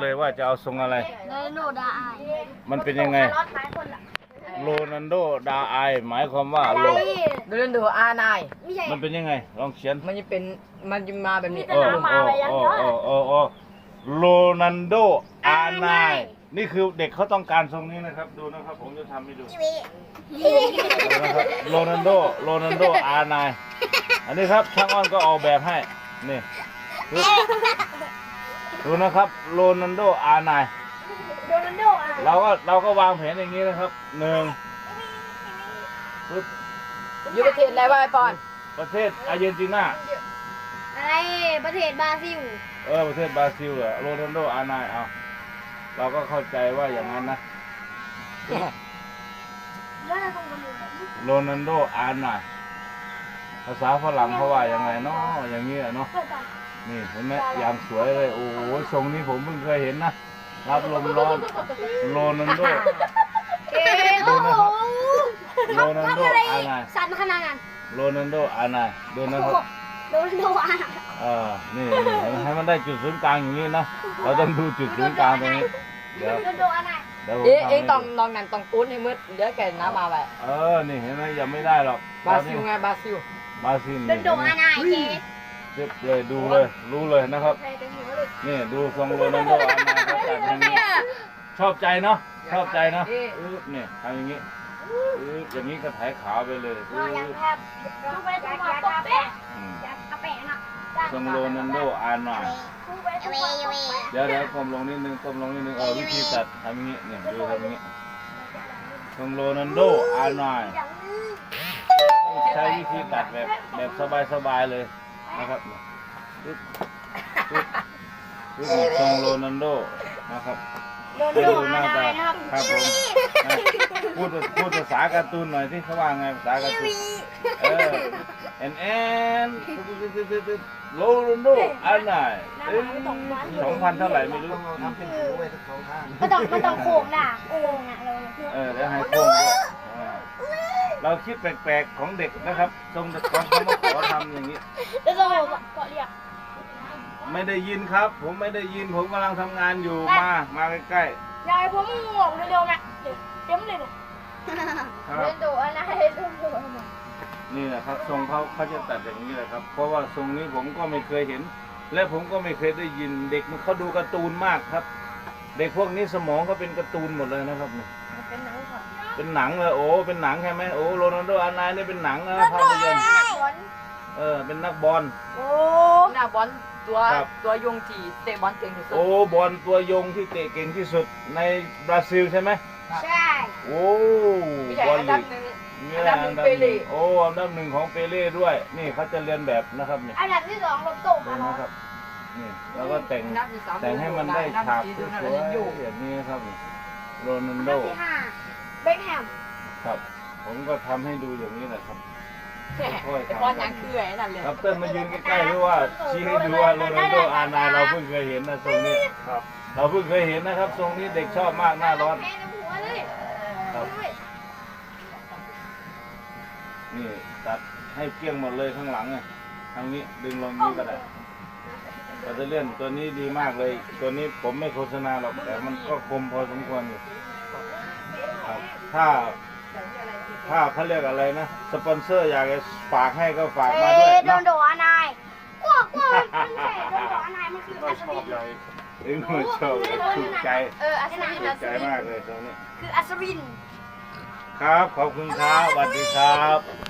เลยว่าจะเอาทรงอะไรโรนัลโดดาไอมันเป็นยังไงโรนัลโดดาไอหมายความว่าโรโรนัลโดอาร์ไนมันเป็นยังไงลองเขียนมันจะเป็นมันจะมาแบบนี้โโรนัลโดอาร์ไนนี่คือเด็กเขาต้องการทรงนี้นะครับดูนะครับผมจะทำให้ดูนะครับโรนัลโดอาร์ไนอันนี้ครับช่างอ้อนก็ออกแบบให้นี่ดูนะครับโรนัลโดอาร์ไนเราก็วางแผนอย่างนี้นะครับหนึ่งอยู่ประเทศอะไรวะไอปอนประเทศอาร์เจนตินาอะไรประเทศบราซิลประเทศบราซิลอะโรนัลโดอาร์ไนเอาเราก็เข้าใจว่าอย่างนั้นนะโรนัลโดอาร์ไนภาษาฝรั่งเขาว่ายังไงเนาะอย่างนี้เนาะนี่เห็นไหมอย่างสวยเลยโอ้โหทรงนี้ผมเพิ่งเคยเห็นนะรับลมร้อนโรนัลโดดูนะครับโรนัลโดอาร์ไนสั่นขนาดนั้นโรนัลโดอาร์ไนดูนะครับโรนัลโดอาร์นี่ให้มันได้จุดศูนย์กลางอย่างนี้นะเราต้องดูจุดศูนย์กลางตรงนี้เดี๋ยวโรนัลโดอาร์ไนเองต้องลองนั่นต้องปูนให้มืดเดี๋ยวแกน้ำมาไปนี่เห็นไหมยังไม่ได้หรอกบราซิลไงบราซิลบราซิลโรนัลโดอาร์ไนเจ๊เจ็บเลยดูเลยรู้เลยนะครับนี่ดูทรงโรนัลโดอาร์ไนเขาจัดอย่างนี้ชอบใจเนาะชอบใจเนาะนี่ทำอย่างนี้อย่างนี้ก็ถ่ายขาวไปเลยอย่างแทบต้องไปทำมาป๊อปแปะกระแปะน่ะทรงโรนัลโดอาร์ไนเดี๋ยวก้มลงนิดนึงวิธีตัดทำอย่างนี้เนี่ยดูทำอย่างนี้ทรงโรนัลโดอาร์ไนใช้วิธีตัดแบบสบายๆเลยนะครับทรงโรนัลโดนะครับโรนัลโดอาร์ไนนะครับครับผมพูดภาษาการ์ตูนหน่อยที่เขาว่าไงภาษาการ์ตูนแอนโรนัลโดอาร์ไน2,000เท่าไหร่ไม่รู้ทำเป็นหูไว้ทั้งสองข้างมันต้องโค้งน่ะโค้งน่ะแล้วให้โค้งด้วยเราคิดแปลกๆของเด็กนะครับทรงเด็กของเขามาขอทำอย่างนี้แล้วก็เกาะเรียกไม่ได้ยินครับผมไม่ได้ยินผมกำลังทำงานอยู่มาใกล้ยายผมง่วงเร็วๆนะเต็มเลยเนี่ยๆครับโรนัลโดอาร์ไนโรนัลโดอาร์ไนนี่แหละครับทรงเขาจะตัดอย่างนี้แหละครับเพราะว่าทรงนี้ผมก็ไม่เคยเห็น และผมก็ไม่เคยได้ยินเด็กมันเขาดูการ์ตูนมากครับ เด็กพวกนี้สมองเขาเป็นการ์ตูนหมดเลยนะครับนี่เป็นหนังค่ะเป็นหนังเลยโอ้เป็นหนังใช่ไหมโอ้โรนัลโดอาร์ไนนี่เป็นหนังนะภาพยนตร์เป็นนักบอลโอ้หน้าบอลตัวยงที่เตะบอลเก่งที่สุดโอ้บอลตัวยงที่เตะเก่งที่สุดในบราซิลใช่ไหมใช่โอ้ไม่ใช่บอลอันดัลีบกหนึ่งนี่แหละอันดับหนึ่งโอ้อันดับหนึ่งของเปเล่ด้วยนี่เขาจะเรียนแบบนะครับนี่อันดับที่2ลบตกดูมาแล้วนะครับนี่แล้วก็แต่งให้มันได้ฉากสวยๆอย่างนี้ครับโรนัลอันโดดับที่5เบคแฮมครับผมก็ทำให้ดูอย่างนี้แหละครับบอลยังคือไอ้นั่นเลยครับเต้นมายืนใกล้ๆหรือว่าชี้ให้ดูว่าโรนัลโดอาร์ไนเราเพิ่งเคยเห็นนะทรงนี้ครับเราเพิ่งเคยเห็นนะครับทรงนี้เด็กชอบมากหน้าร้อนครับนี่ตัดให้เกลี้ยงหมดเลยข้างหลังอ่ะทางนี้ดึงลงนี้ก็ได้เราจะเลื่อนตัวนี้ดีมากเลยตัวนี้ผมไม่โฆษณาหรอกแต่มันก็คมพอสมควรอยู่ครับถ้าเขาเรียกอะไรนะสปอนเซอร์อยากจะฝากให้ก็ฝากมาด้วยโรนัลโดอาร์ไนกว่ามันแค่โรนัลโดอาร์ไนมันคืออัศวินเอ็งไม่ชอบถูกใจอัศวินถูกใจมากเลยตรงนี้คืออัศวินครับขอบคุณครับสวัสดีครับ